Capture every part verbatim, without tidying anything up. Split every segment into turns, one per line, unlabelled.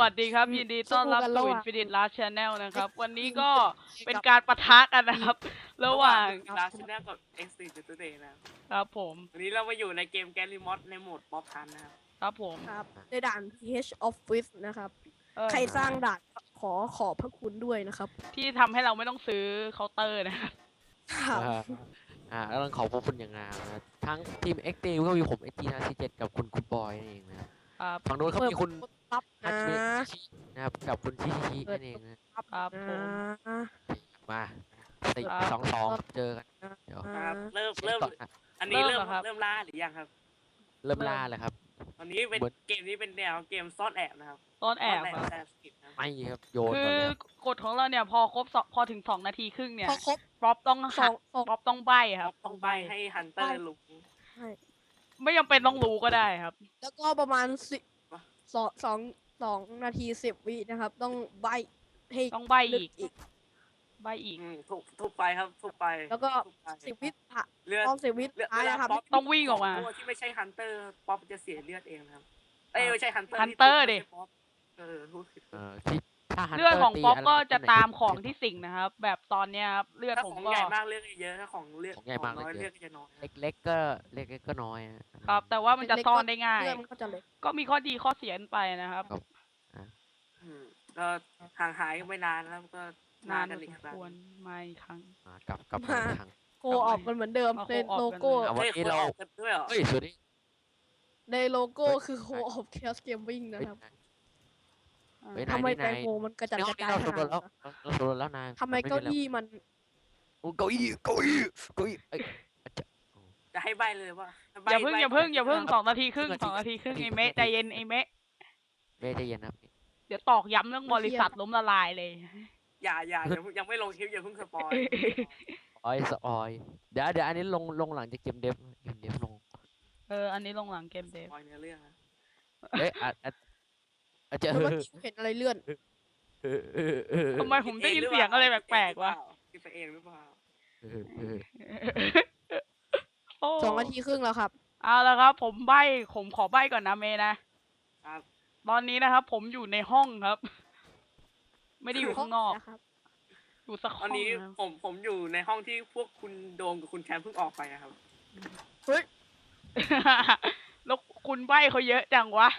วัสดีครับยินดีต้อนรับสู่ Infinite Last Channel นะครับ วันนี้ก็เป็นการปะทะกันนะครับ ระหว่าง
ลาชแนลกับ Extreme Today นะครับ
ผม
วันนี้เรามาอยู่ในเกมแกลิมอสในโหมดป๊อปทันนะครับ
ครับผม
ครับในด่าน พี เอช Office นะครับ
เออ
ใครสร้างด่านขอขอบพระคุณด้วยนะครับ
ที่ทำให้เราไม่ต้องซื้อเคาน์เตอร์นะครับ
ครับ
อ่าอ่าแล้วต้องขอบพระคุณอย่างงามนะทั้งทีมเอ็กตีก็มีผมเอ็กตีนาซีเจ็ดกับคุณคุณบอยนั่นเองนะครับ ฝั่งโน้นเขามีคุณ
รับ
ฮั
นะ
ตเมชินะครับกับคุณชิชินั่นเองนะครับ
ครับผม
นะ
มาสี่
ครับ
สองสองเจอกันเดี๋ยว
ครับเริ่ม
เช็ค
เริ่ม
ก่อนนะ
อันนี้
เริ่
เริ่
ม
ม
เหรอครับ
เริ่มล่าหรือยังครับ
เริ่มล่าเลยครับ
ตอนนี้เป็น
เหมือน
เกมนี้เป็นแนวเกมซ่อนแอบนะครับ
ต้นแอบ
ซ่น
ครับ
แอบสกิปนะครับ
ไม่ครับโยน
คื
ก่อน
อ
เลยครับ
กฎของเราเนี่ยพอครบสองพอถึงสองนาทีครึ่งเนี่ย
พอครบ
ป๊อปต้อง
ส
หั
อก งสอง
ป๊อปต้องใบครับ
ต้องใบให้ฮันเตอร์รู้
ใช่
ไม่จำเป็นต้องรู้ก็ได้ครับ
แล้วก็ประมาณสิสองสองสองนาทีสิบวินะครับ ต้องใบให้
ต้องใบ
ลึก
อีก
อีก
ใบอีก
อืมทุบทุบไปครับทุบไป
แล้วก็
ทุบไป
สิบวิผ่า
เลือด
รอบสิบวิ
เลือด
ท้าย
เวลา
นะครับ
ป๊อป
ต้องวิ่งออกมา
ตัวที่ไม่ใช่ฮันเตอร์ป๊อปจะเสียเลือดเองนะครับเอ้ยไม่ใช่ฮันเตอร์
Hunter ดิ
เออรู้ผิด
เออที่ถ้า Hunter
เลือดของ
ตี
ป๊อปก็
ไร
จะ
ไหน
ตามของที่สิ่งนะครับ แบบตอนเนี้ยครับเลือด
ถ้า
ผม
ของ
ก็
ใหญ่มากเลือดก็เยอะถ้าของเลือด
ของใหญ่มาก
น้อย
เลื
เลื
อ
อ
ด
ดก็จะน้อย
เล็กๆก็เล็กๆก็น้อยอะ
ครับ แต่ว่ามันจะซ่อนได้ง่าย
เรื่องมันก็จะเล็ก
ก็มีข้อดีข้อเสียกันไปนะครับ
อืมก็ห่างหายกันไปนานแล้วก็
นาน
กั
พอ
อี
ส
ก
ม
ครั้ง
ควรมาอีกครั้ง
อ่ากลับกลับมาอีกครั้ง
โคออกกันเหมือนเดิม
เอา
ใน
co-op
โลโก้
กัน
อ่ะวันนี้เรา
ฮ้ยคนออกกันด้วยเหรอ
เฮ้ยสวัสดี
ในโลโก้
เฮ้ย
คือโคออฟแคสเกมวิ่งนะครับ
เฮ้ย
ทำไม
นาย
แตงโมมันกระจัด
ใน
ก
ห้อง
ระ
นี้
จาย
เรา
ข
สำรว
นา
จ
ด
แล้ว
นั้น
เราสำรวจแล้วนาย
ทำไมเก้าอี้มัน
โอ้เก้าอี้เก้าอี้เก้าอี้เอ้ย
จะให้ใบเลยว่า
อย่าเพิ่งอย่าเพิ่งอย่าเพิ่ง
ครับ
สองนาทีครึ่ง
ครึ่ง
สองนา
นาที
ทีครึ่ง
ครึ่
ไอง
นาที
เมะใจเย็นไอเมะ
เบ้ใจเย็นนะครับ
เดี๋ยวตอกย้ำเรื่องบริษัทล้มละลายเลย
อย่าอย่าอย่าเพิ่งยังไม่ลงคลิปอย่าเพิ่งสปอย
ออยสออยเดี๋ยวเดี๋ยวอันนี้ลงลงหลังจากเกมเดฟเกมเดฟลง
เอออันนี้ลงหลังเกมเด
ส
ฟ
ปอยเนื้อเรื่องนะ
เอ๊ะอาจอาจอาจจะ
เมื่อกี้เห็นอะไรเลื่อน
เออเออเออ
ทำไมผมได้ยินเสียงอะไรแปลกๆวะ
คิดไปเองหรือเปล่า
เออเออ
โอ้
สองนาทีครึ่งแล้วครับ
เอาละครับ ผมใบผมขอใบก่อนนะเมย์นะครับ ตอนนี้นะครับ ผมอยู่ในห้องครับ ไม่ได้อยู่ข้างนอก
นะครับ
อยู่สัก
ต
ห้
อ
อน ง
นี้
นะครับ
ผมผมอยู่ในห้องที่พวกคุณโดมกับคุณแชมป์เพิ่งออกไปนะครับ
เฮ้ย
แล้วคุณใบเขาเยอะจังวะ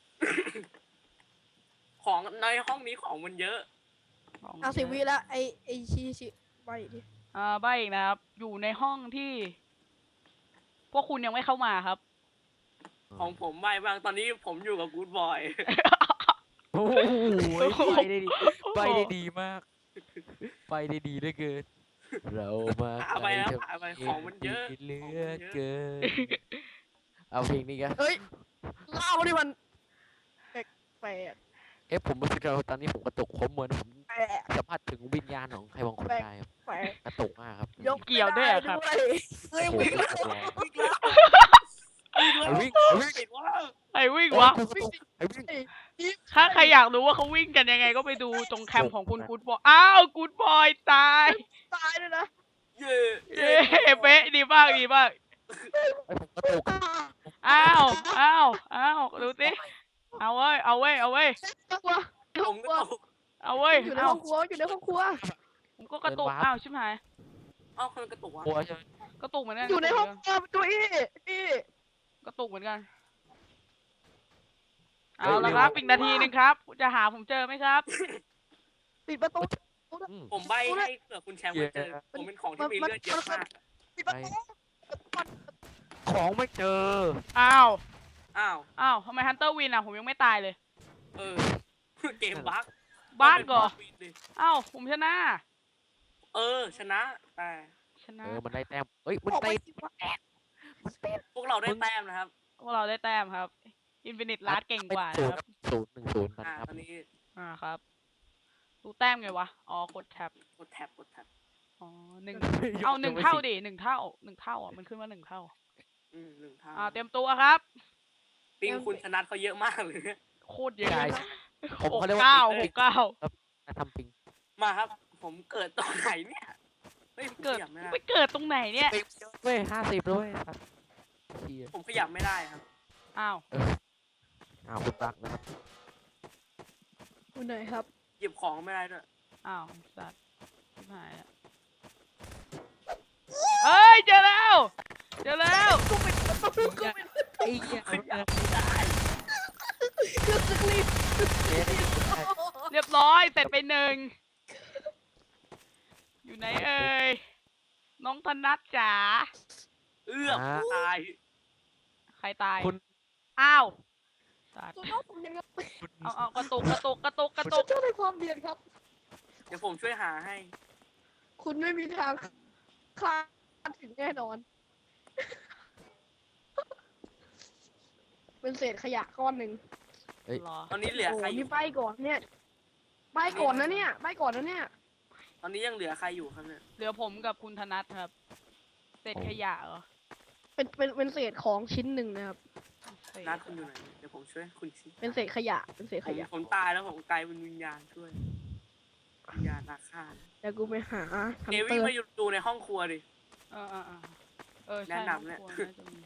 ของในห้องนี้ของมันเยอะ
เอาสิบวิแล้วไอไอชีชิไปดิ
อ่าใบอีกนะครับ อยู่ในห้องที่ พวกคุณยังไม่เข้ามาครับ
ของผมใบบ้างตอนนี้ผมอยู่กับกู๊ดบอย
โอ้โหไปได้ดีไปได้ดีมาก ไปได้ดีเหลือเกิน เรามา
หาไปแล้วหาไปของมันเยอะ
เหลือเกินเอาเพลงนี้กัน
เฮ้ยเล่าดิมันแปลกแปลก
เอ๊ะผมรู้สึกว่าตอนนี้ผมกระตุกผมเหมือนผม
แปลก
สัมผัสถึงวิญญาณของใครบางคนได้ครับ
แปลก
กระตุกมากครับ
ยก
เกี่ยวด้วยเหรอครับ
ไม่ได้
เฮ้ย
โอ้โห
วิ่งแล้ว
กระตุกแรง
วิ่งแล้ว
เอาวิ่งเอาวิ่ง
ปิดว่า
ไอ้วิ่ง
โอ้
วะ
ยกระตุกไอ้วิ่ง
ถ้าใครอยากรู้ว่าเขาวิ่งกันยังไงก็ไปดูตรงแคมป์ของคุณกูดบอย อ้าว กูดบอยตาย
ตายเลยนะ
เย่
เย้เป๊ะดีมากดีมาก
ไอ้ผมกระตุก
อ้าว อ้าว อ้าว ดูสิ เอาเว้ย เอาเว้ย เอาเว้ย
กลัว
ผมก็ตก
เอาเว้ย
อยู่ใน
เอา
ห้องครัวอยู่ในห้องครัว
ผมก็กระตุก อ้าว ชิบหาย
เอ้าคนกระตุกวะ
กลัวใช่ไหม
กระตุกเหมือนกัน
อยู่ในห้องครัวตัวอี้อี้
กระตุกเหมือนกัน เอาละครับอีกนาทีหนึงครับ จะหาผมเจอไหมครับ
ปิดประตู
อืม
ผมใบให้เผื่อคุณแชมป์มาเจอผมเป็นของที่มีเลือดเยอะมาก
ปิดประตู
ของไม่เจอ
อ้าว
อ้าว
อ้าวทำไมฮันเตอร์วินอ่ะ ผมยังไม่ตายเลย
เออเกมบั๊ก
บ้านก่ออ้าว ผมชนะ
เออ ชนะแต่
ชนะ
เออมันได้แต้มเอ้ยมัน
ออกไป
ได้
สิวะ
พวกเราได้แต้มนะครับ
พวกเราได้แต้มครับ อินฟินิตลาสเก่งกว่า
ศู
นะ
นย์
ครับ
ศูนย์หนึ่งศูนย์กัน
อ่า
ครับ
ตอนนี้
อ่าครับ ดูแต้มไงวะ อ๋อ กดแท็บ
กดแท็บกดแท็บ
อ๋อหนึ่งเอาหนึ่งเท่าดิหนึ่งเท่าหนึ่งเท่าอ่ะ มันขึ้นมาหนึ่งเท่า
อืมหนึ่งทาง
อ่า เตรียมตัวครับ
ปิงคุณชนะเขาเยอะมากเลย
โคตรเยอะ
ใช่
เลย
ผม
หก
เขาเรียกว่า
เก้า
ปิ
ห
ง
กเก้า
นะทำปิง
มาครับ ผมเกิดตอนไหนเนี่ยเฮ้ยผม
เกิ
ข
ด
ยับไม่ได้
ไปเกิดตรงไหนเนี่ย
ปิงเว้ยห้าสิบด้วยครับเหี้ย
ผมขยับไม่ได้ครับ
อ้าว
อ้าวคุณรักนะครับ
อยู่ไหนครับ
หยิบของไม่ได้ด้วย
อ้าวสัตว์ชิบหายอะเอ้ยเจอแล้วเจอแล้ว
ไอ้เหี้ย
ขยับไม่ได้
เรียบร้อยเสร็จไปหนึ่งอยู่ไหนเอ่ยน้องธนัทจ๋า
เอื้อมตาย
ใครตาย
คุณ
อ้าวสัตว์
ตัวน้องผมยังไง
เอาเอากระตุกกระตุกกระตุกกระตุก
เจ้าในความเดียนครับ
เดี๋ยวผมช่วยหาให้
คุณไม่มีทางคลาดถึงแน่นอน เป็นเศษขยะก้อนหนึ่ง
เหรอ
ตอนนี้เหลือ
โอ้
ใครอ
นี่
ยู่
ใบก่อนเนี่ยใบก่อนนะเนี่ยใบก่อนนะเนี่ย
ตอนนี้ยังเหลือใครอยู่ครับเนี่ย
เหลือผมกับคุณธนัทครับ เศษขยะเหรอ
เป็นเป็นเป็นเศษของชิ้นหนึ่งนะครับ
เศษ
นัดคุณอยู่ไหนเดี๋ยวผมช่วยคุณชิ
เป็นเศษขยะ เป็นเศษ
ผ
ข
ม
ยะ
ผมตายแล้วผมกลายเป็นวิญญาณช่วยวิญญาณอาฆาต
เดี๋ยวกูไปหาฮัน
เอ
เต
วี่
อร์
มาอยู่ดูในห้องครัวดิ
เออเออเออเออใช่
แนะนำเนี่ย
ครอบครัวน่าจะมี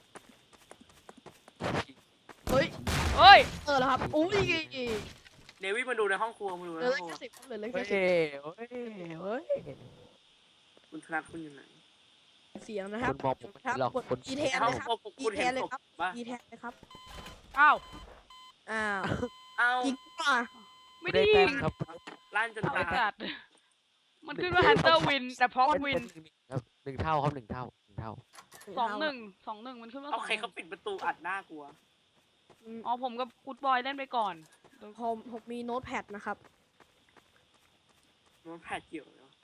เฮ้ย
เฮ้ย
เออแล้วครับอุ้ย
เดวี่มาดูในห้องครัวมาดู
เห
ใน
ลือ
ห้องครัว
แค่สิบเหลือแค่
เฮ้ย
สิบ
เฮ้ยเฮ้ย
คุณธนัทคุณอยู่ไหน
เสียงนะครับ
คุณบอกผมไม่
ครับ
หรอก
กด
คน
อีแท
ใน
น
ห้อ
เล
ง
ยค
ครับ รัวคุณ
อี
เห็น
แทนเลย
ศพ
ครับ
ปะ
อีแทนเลยครับ
อ้าว
อ้าว
เอา
อีกป่ะ
ไม่
ได้
ได้
แต้
ยิ
ม
ง
ครับ
ลั่นจน
เอาไป
ตาย
จัดมันขึ้นว่า Hunter Win แต่พร้อม
เป็น
Win
เป็นหนึ่งครับหนึ่งเท่าครับหนึ่งเท่าหนึ่งเท่า
สองหนึ่งสองหนึ่งมันขึ้นว่าส
เอา
อง
ใครเขาปิดประตูอัดหน้ากลัว
อืม
อ๋อผมกับกูดบอยเล่นไปก่อน
ผมผมมีโน้ตแพดนะครับ
มันแผดเกี่ยวเนาะ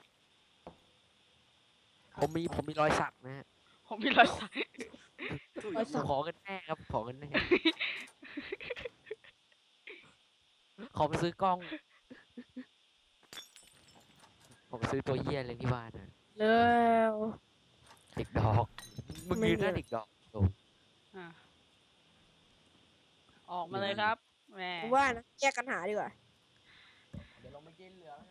ผมมีผมมีรอยสักนะฮะ
ผมมีรอยสัก
ถูก
รอยสัก
ขอกันแน่ครับขอกันแน่ขอไปซื้อกล้อง ผมซื้อตัวเหี้ยเลยที่บ้านนะ
แล้ว
เด็กดอกมึง
ไม่
ยืนหน้า
มี
เด็กดอกโด
อ่ะออกมาเลยครับแหม
ผมว่านะแยกกันหาดีกว่า
เดี๋ยวลงไปกินเหลือ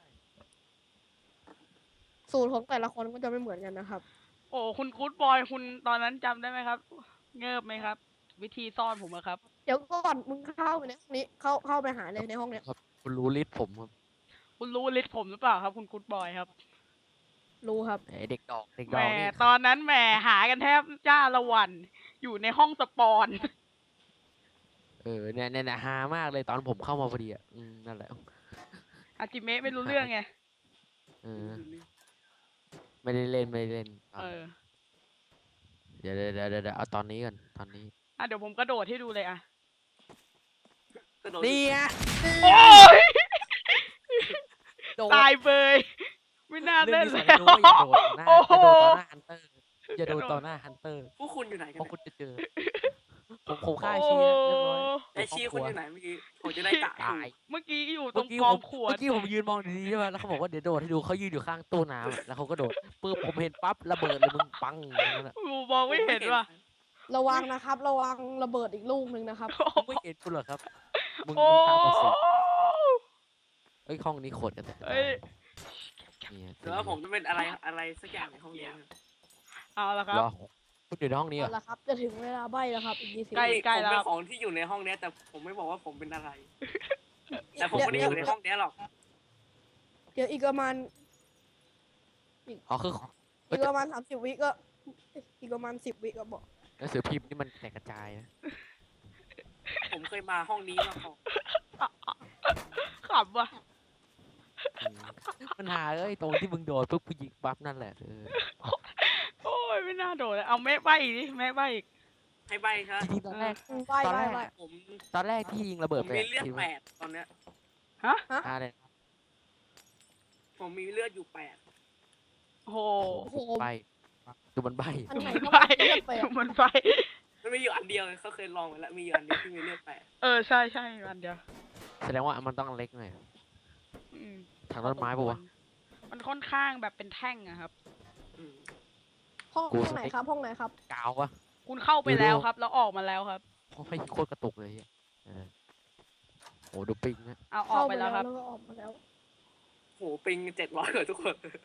สูตรของแต่ละคนก็จะไม่เหมือนกันนะครับ
โอ้คุณกูดบอยคุณตอนนั้นจำได้ไหมครับ เงิบไหมครับ วิธีซ่อนผมอะครับ
เดี๋ยวก่อนมึงเข้าไปในห้องนี้เข้าเข้าไปหาเลยในห้องเนี้ย
ครับคุณรู้ลิสต์ผมครับ
คุณรู้ลิสต์ผมหรือเปล่าครับ คุณกูดบอยครับ
รู้ครับ
ไอเด็กดอกเด็ก
แห
ด
ม
อกนี่
ตอนนั้นแหมหากันแทบจ้าละวัน อยู่ในห้องสปอน
เออเนี่ยเนี่ยเนี่ยฮามากเลยตอนผมเข้ามาพอดีอ่ะอืมนั่นแหละ
อาจิเมะไม่รู้เรื่องไง
เออไม่ได้เล่นไม่ได้เล่นตอน
เออ
เดี๋ยวเดี๋ยวเดี๋ยวเดี๋ยวเอาตอนนี้ก่อนตอนนี้
อ่ะเดี๋ยวผมกระโดดให้ดูเลยอ่ะ
กระโดด
นี่ไง
โอ้ย
โดด
ตายเบย ไม่น่าเล่น
เรื่
แล้
อง
ว
นี้สอนให้รู้ว่าอย่าโดดต่อหน้า
โอ้โห
อย่าโดดต่อหน้าฮันเตอร์อย่าโดดต่อหน้าฮันเตอร์
พวกคุณอยู่ไหนกัน
เพราะ
เนี่ย
คุณจะเจอ ผมผมฆ่าชีแล้วเรียบร้อย
ไอชีคุณอยู่ไหนเมื่อกี้ผมจะได้กะถู
ตาย
ก
เมื่อกี้อยู่ตร
เมื่อง กี้
ก
ผ
อง
ม
ขวด
เมื่อกี้ผมยืนมองดีๆใช่ไหมแล้วเขาบอกว่าเดี๋ยวโดดให้ดูเขายืนอยู่ข้างตู้น้ำอะแล้วเขาก็โดดปึ๊บผมเห็นปั๊บระเบิดเลยมึงปังอย่างนั้นอะ
กูมองไม่เห็นว่ะ
ระวังนะครับ ระวังระเบิดอีกลูกหนึ่งนะครับ
มึงไม่เห็นกูเหรอครับมึง
โอ้
มึงตามมาสิเอ้ยห้องนี้โคตรกันแต่
เอ้ย
เนี่ย
หรือว่าผมจะเป็นอะไรอะไรสักอย่างในห้องนี้นะ
เอาละครับ
รอคุณอยู่ในห้องนี้เหร
เอา
อ
ละครับ จะถึงเวลาใบแล้วครับ อีกยี่สิบ
ใกล้
นี่
ใกล้
ผม
แล้ว
เป็นของที่อยู่ในห้องเนี้ยแต่ผมไม่บอกว่าผมเป็นอะไร แต่ผม
เดี๋ยว
ไม่ได้
เดี๋
อ
ยว
ยู่ในห้องเนี้ยหรอก
เดี๋ยวอีกประมาณ
อ๋อคือ
อีกประมาณสามสิบวิก็ อีกประมาณสิบวิก็บอก
หนังสือพิมพ์นี่มันแตกกระจายนะ
ผมเคยมาห้องนี้มาก่อน
ขำว่ะ
อืมมันหาเอ้ยตรงที่มึงโดดปุ๊บกูยิงปั๊บนั่นแหละเออ
โอ้ยไม่น่าโดดเลยเอาแม่ใบอีกดิแม่ใบอีก
ให้ใบครับ
จริงๆตอนแรก
ใบ
ตอน
ใบ
แรก
ใบ
ผม
ตอนแรกที่ยิงระ
ผ
เบิด
ม
ไป
มี
อะ
เลือด
คิด
แป
ว่า
ดตอนเนี้ย
ฮะ
อ่าเลย
ผมมีเลือดอยู่แปด
โอ้โห
โอ้โห
ใบดูมันใบ
อันไหน
มัน
ก็
ใบ
ไม่เลือกไปอะ
มันใบ
มันมีอยู่อันเดียวเขาเคยลองไปแล้วมีอยู่อันเดียวที่มีเลือดแปด
เออใช่ใช่อันเดียว
แสดงว่ามันต้องเล็กหน่อย
อืม
ทางต้นไม้ปะวะ
มันค่อนข้างแบบเป็นแท่งอะครับ
อืม
ห้อง
กู
ห้อง
ส
ไหน
เต็ก
ครับ ห้องไหนครับ
กาวปะ
คุณเข้าไป
ดูดู
แล้วครับ แล้วออกมาแล้วครับ
เพราะให้โคตรกระตุกเลยเหี้ยเออโอ้ดูปิงนะ
เอาออ
เข้าก
ไป
ไป
แล้
แล้ว ว
ครับ
แล้วก็ออกมาแล้ว
โหปิงเจ็ดร้อยกว่าทุกคน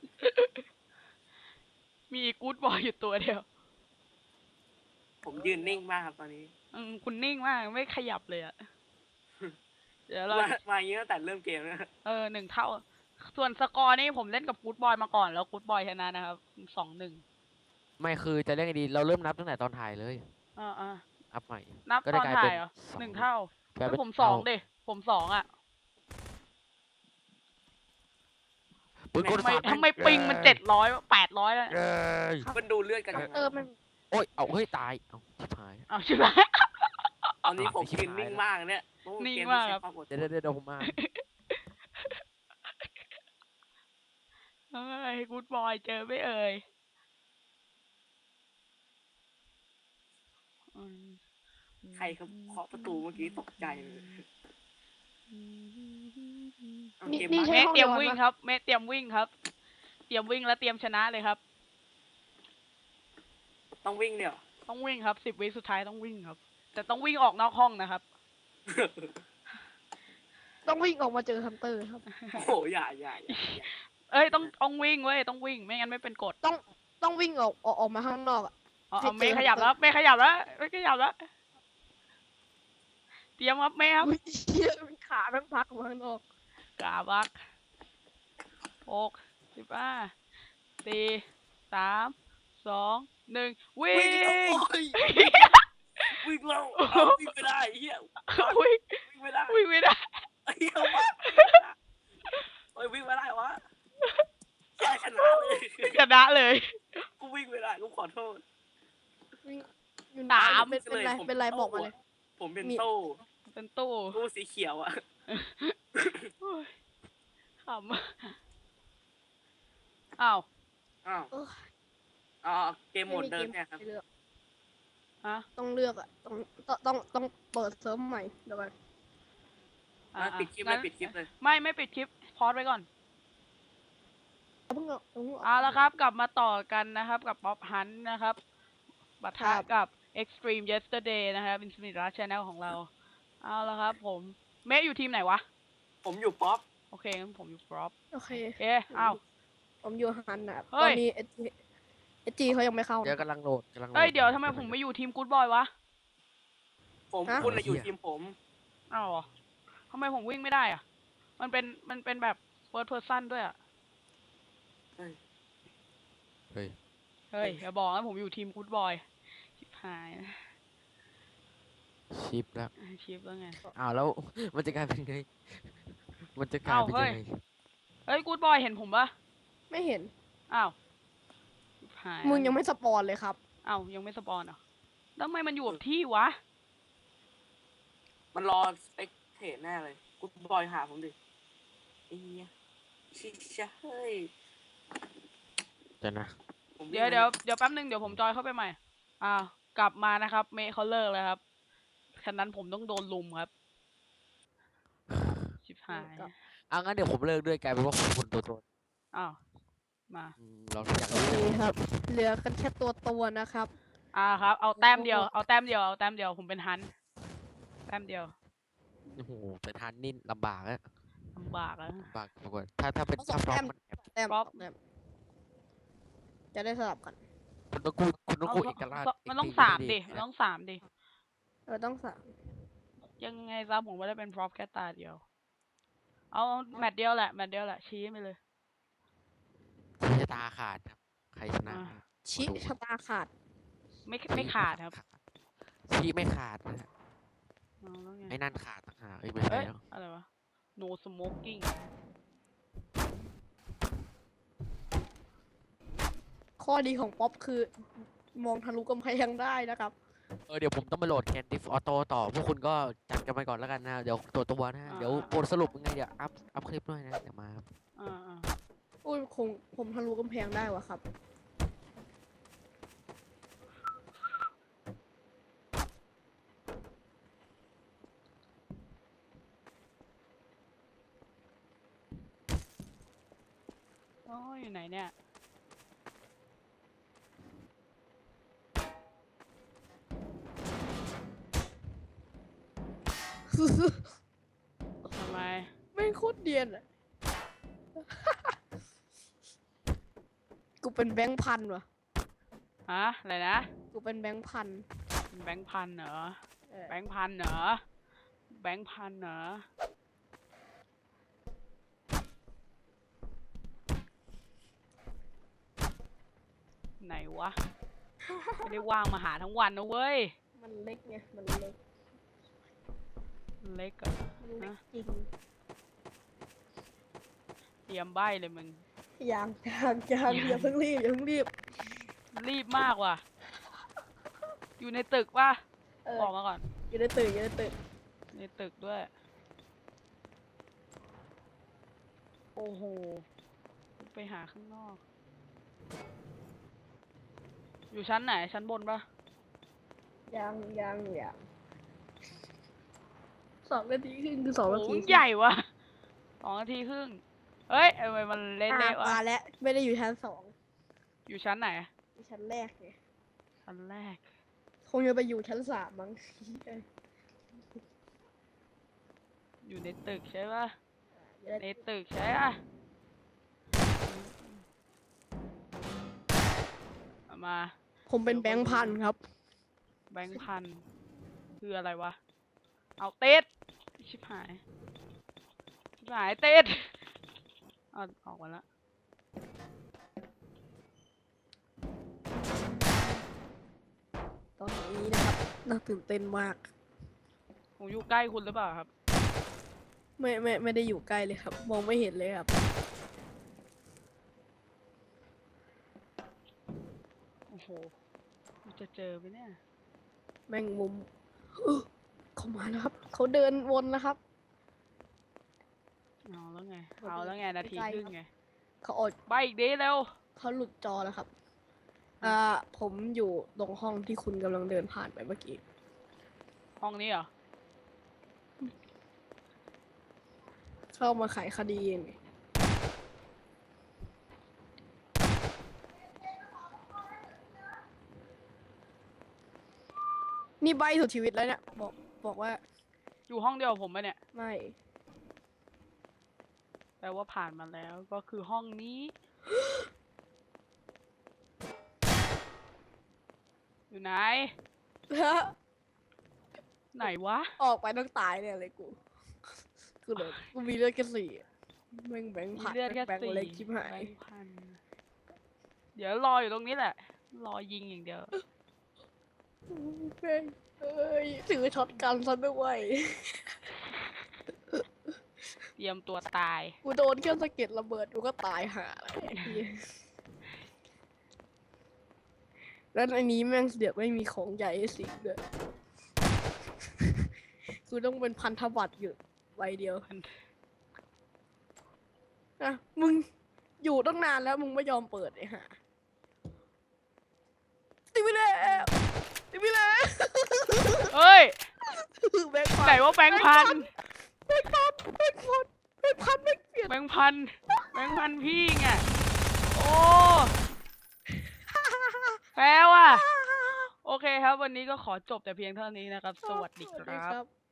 มีกู๊ดบอยอยู่ตัวเดียว
ผมยืนนิ่งมากครับตอนนี้
อืมคุณนิ่งมากไม่ขยับเลยอะเดี๋ยวเรา
มามาอย่างนี้ตั้งแต่เริ่มเกมนะ
เออหนึ่งเท่า ส่วนสกอร์นี่ผมเล่นกับกู๊ดบอยมาก่อนแล้วกู๊ดบอยชนะนะครับสองหนึ่ง
ไม่คือจะเล่นไงดีเราเริ่มนับตั้งแต่ตอนถ่ายเลย
อ่าอ่า
อัพใหม่
นับ
ก็
ต
ได้
อน
กลาย
ถ่า
เป็
ย
น
เหรอ
สอง
หนึ่งเท่าก
ลาย
แล้
เป็น
วผมสอง
เท่า
ดิผมสองอ่ะ
ปืนกล
ทำไม
สาด
ทำไมปิงมันเจ็ดร้อยแปดร้อยแล้ว
เอ้ย
มันดูเลือดกัน
คัพเตอร์มัน
โอ้ยเอาเฮ้ยตายเอาชิบหาย
เอาใช่ไหม
ตอนนี้ผม
ชิบ
ยืน
หาย
นิ่ง
แล้ว
มากเนี่ยเพระว่
นิ่ง
เ
มากครับ
ใช้วอดท
เดี๋ยวน เดี๋ยวเดี๋ยวผมมา
เอ้ยกู๊ดบอยเจอไม่เอ่ยอืม
ใครเขาเคาะประตูเมื่อกี้ตกใจเลยเอา
นี่
เกม
นี่
มา
ใช่
เมฆ
ห้อง
เตรียม
นอน
วิ่ง
ปะ
ครับ เมฆเตรียมวิ่งครับ เตรียมวิ่งแล้วเตรียมชนะเลยครับ
ต้องวิ่งเนี่ยเหรอ
ต้องวิ่งครับสิบวิสุดท้ายต้องวิ่งครับ แต่ต้องวิ่งออกนอกห้องนะครับ
ต้องวิ่งออกมาเจอฮันเตอร์ครับ
โอ้โหอย่าอย่าอย่าอย่า
เอ้ยต้องต้องวิ่งเว้ยต้องวิ่งไม่งั้นไม่เป็นกฎ
ต้องต้องวิ่งออกออกออกมาข้างนอกอะ
เอา
ให้
เอาเมฆ
เจอ
ขยับแล้วเมฆขยับแล้วเมฆขยับแล้วเตรียมครับเมฆครับ
อุ๊ยเหี้ยมันขาแม่งพักออกมาข้างนอก
กาบักหกสิบห้าสี่สามสองหนึ่งวิ่ง
วิ่งแล้วโอ้ยวิ่งแล้วเอาวิ่งไม่ได้เฮีย
วิ่ง
วิ่งไม่ได้
วิ่งไม่ได้
เฮียวะโอ้ยวิ่งไม่ได้วะแค่ชนะเลย
ชนะเลย
กูวิ่งไม่ได้กูขอโทษ
วิ่งอยู่ไหน
สาม
เป็นเป็นไรเป็นไรบอกมาเลย
ผมเป็น
มี
โต้
เป็นตู้
ตู้สีเขียวอะ
โอ้ยขำอ้าว
อ้าว
เออ
อ๋อเกมโหมดเดิมเนี่ยครับ
ให้เลือก
ฮะ
ต้องเลือกอะต้องต้องต้องต้องเปิดเซิร์ฟใหม่เดี๋ยวก่อน
อ่ะ
อ่ะปิดคลิปเลย
งั้น
ปิดคลิปเลย
ไม่ไม่ปิดคลิปพอดไว้ก่อน
เอาเพิ่งเอาเอาเพิ่ง
เอาละครับ กลับมาต่อกันนะครับ กับป๊อปฮันนะครับปะทะ
ครับ
กับ Extreme Yesterday นะครับ Infinite Rush Channel ของเรา เอาละครับผม เมฆอยู่ทีมไหนวะ
ผมอยู่ป๊อป
โอเคงั้นผมอยู่ Prop
โอเค
เอ๊ะอ้าว
ผมอยู่ฮันนะครับ
เฮ้
ตอย นนี้เอจีเอจีเขายังไม่เข้า
เดี๋ยวกำลังโหลดกำลังโหล
เอ้ย เดี๋ยวทำไมผมไม่อยู่ทีม Good Boy วะ
ผม
ฮะ
คุณน่ะอยู่ทีมผม
อ้าวเหรอทำไมผมวิ่งไม่ได้อ่ะ มันเป็นมันเป็นแบบ first person ด้วยอ่ะ
เฮ้ย
เฮ้ย
เฮ้ยอย่าบอกนะผมอยู่ทีม Good Boy ชิบหายนะ
ชิปแล้ว
ชิปแล้วไง
อ้าวแล้ว มันจะกลายเป็นไง มันจะกลาย
อ้าว
เป็น
เฮ้
ยั
ย
งไง
เฮ้ย Good Boy เห็นผมปะ
ไม่เห็น
อ้าวชิบหาย
มึงยังไม่สปอนเลยครับ
อ้าวยังไม่สปอนเหรอแล้วทำไมมันอยู่กับที่วะ
มันรอไอ้เทรดแน่เลยกูบอยหาผมดิไอ้เหี้ยชิชะเฮ้ย
เดี๋ยวนะ
ผม
เดี๋ยวเดี๋ยวเดี๋ยวแป๊บนึงเดี๋ยวผมจอยเข้าไปใหม่ อ้าวกลับมานะครับ เมย์เขาเลิกแล้วครับฉะนั้นผมต้องโดนลุมครับ ชิบหาย
ครับ
เอางั้นเดี๋ยวผมเลิกด้วยกลายเป็นว่าคนตัวตน
อ้าว มา
อืมเราอยาก
โอ
รู้
เค
จัง
ครับ เหลือกันแค่ตัวตัวนะครับ
อ่าครับ เอาแต้มเดียว เอาแต้มเดียว เอาแต้มเดียว ผมเป็นฮันต์แต้มเดียว
โอ้โหเป็นทันนี่ลำบากอะ
ลำบากแล้ว
ลำบากกว่าถ้าถ้าเป็น
เอาสอ
ถ้าง พร้อ
แต้
ม
ม
มันแอบ
แต้ม
ป๊อป
แต้มจะได้สลับกัน
คุณต้องกู้คุณต้อง
เอา
กู้เอกราช
มันต้อง
เก
สาม
ไ
ดิ มันต้องสามดิ
เออต้องสาม
ยังไงซะผมไม่ได้เป็นพร็อพแค่ตาเดียว เอาแมตช์เดียวแหละ แมตช์เดียวแหละ ชี้ไปเลย
ชี้ชะตาขาดครับ ใครชนะ
อ่า
ชิชะตาขาด
ไม่ไม่ขาดครับ
ชี้ไม่ขาดนะฮะ
เอาแล้วไง
ไอ้นั่นขาดต่างหากเอ้ยไม่ใช่
เอ้ย
แล้ว
อะไรวะ no smoking
ข้อดีของป๊อปคือ มองทะลุกำแพงได้นะครับ
เออเดี๋ยวผมต้องไปโหลดแคนดิฟออโต้ต่อ พวกคุณก็จัดกันไปก่อนแล้วกันนะ เดี๋ยวตัวตัวนะฮะ
อ่า
เดี๋ยวบทสรุปยังไงเดี๋ยวอัพอัพคลิปด้วยนะ เดี๋ยวมาครับ
อ่าอ่า
อุ้ยคงผมทะลุกำแพงได้วะครับ
โอ้ยอยู่ไหนเนี่ย ทำไม
ไม่งโคตรเดียนอะ กูเป็นแบงค์พันวะ
ฮะ อะไรนะ
กูเป็นแบงค์พัน
แบงค์พันเหรอ
เออ
แบงค์พันเหรอ แบงค์พันเหรอไหนวะ ไม่ได้ว่างมาหาทั้งวันนะเว้ย
มันเล็กไงมันเล็ก
เล็กอะ
มันเล็กจริง
เตรียมใบเลยมึง
ยังยังยังอย่าเพิ่งรีบอย่าเพิ่งรีบ
รีบมากว่ะ อยู่ในตึกป่ะ
เออ
บอกมาก่อน
อยู่ในตึกอยู่ในตึก
ในตึกด้วย โอ้โห ไปหาข้างนอก อยู่ชั้นไหน ชั้นบนปะ
ยังยังยังสองนาทีครึ่งคือสองนา
โอ้
ที
โหใหญ่วะสองนาทีครึ่ง เฮ้ยทำไมมันเละ
อ่ะ
ๆวะ
มาแล้วไม่ได้อยู่ชั้นสอง
อยู่ชั้นไหน
อยู่ชั้นแรกไง
ชั้นแรก
คงจะไปอยู่ชั้นสามมั้ง
อยู่ในตึกใช่ปะ
อยู่ใน
ในตึกใช่ปะเอามา
ผมเป็นแบงค์พันครับ
แบงค์พัน คืออะไรวะ เอาเต็ดชิบหาย ชิบหายเต็ดเอาออกมาละ
ตอนนี้นะครับน่าตื่นเต้นมาก
ผมอยู่ใกล้คุณหรือเปล่าครับ
ไม่ไม่ไม่ได้อยู่ใกล้เลยครับ มองไม่เห็นเลยครับ
โอ้โหกูจะเจอไหมเนี่ย
แมงมุม เขามาแล้วครับ เขาเดินวนแล้วครับ
เอาแล้วไง เอาแล้วไง นาทีครึ่งไง
เขาออก
ใบอีกดีเร็ว
เขาหลุดจอแล้วครับ อ่า ผมอยู่ตรงห้องที่คุณกำลังเดินผ่านไปเมื่อกี้
ห้องนี้เหรอ
เข้ามาไขคดีไงนี่ใบสุดชีวิตแล้วเนี่ย บอกบอกว่า
อยู่ห้องเดียวกับผมปะเนี่ย
ไม่
แปลว่าผ่านมาแล้ว ก็คือห้องนี้ อยู่ไหน ไหนวะ
ออกไปต้องตายเนี่ยเลยกู กูเลยกูมีเลือดแค่สี่แม่งแบงค์
มี
ผ่าน
เลือดแค่
แบงค์
สี่
เล็กชิบหาย
แบงค์พัน เดี๋ยวรออยู่ตรงนี้แหละ รอยิงอย่างเดียว
เฮ้ยเอ้ยถือช็อตกันซะด้วย
เตรียมตัวตาย
กูโดนแค่สะเก็ดระเบิดกูก็ตายห่าแล้วไอ้เหี้ยแล้วในนี้แม่งเดี๋ยวไม่มีของใหญ่ให้สิงด้วยกูต้องเป็นพันธบัตรอยู่ใบเดียว
พัน
อ่ะมึงอยู่ตั้งนานแล้วมึงไม่ยอมเปิดไอ้ห่าติดไปแล้วติดไปแล้ว
เฮ้ย
แบงค์พัน
ไหนว่าแบงค์พัน
แบงค์พันแบงค์พันแบงค์พันแบงค์เปลี่ยน
แบงค์พัน แบงค์พันพี่ไง โอ้ แปลว่า โอเคครับ วันนี้ก็ขอจบแต่เพียงเท่านี้นะครับ สวัสดี
สวัส
ค
ดี
รับ
ครับ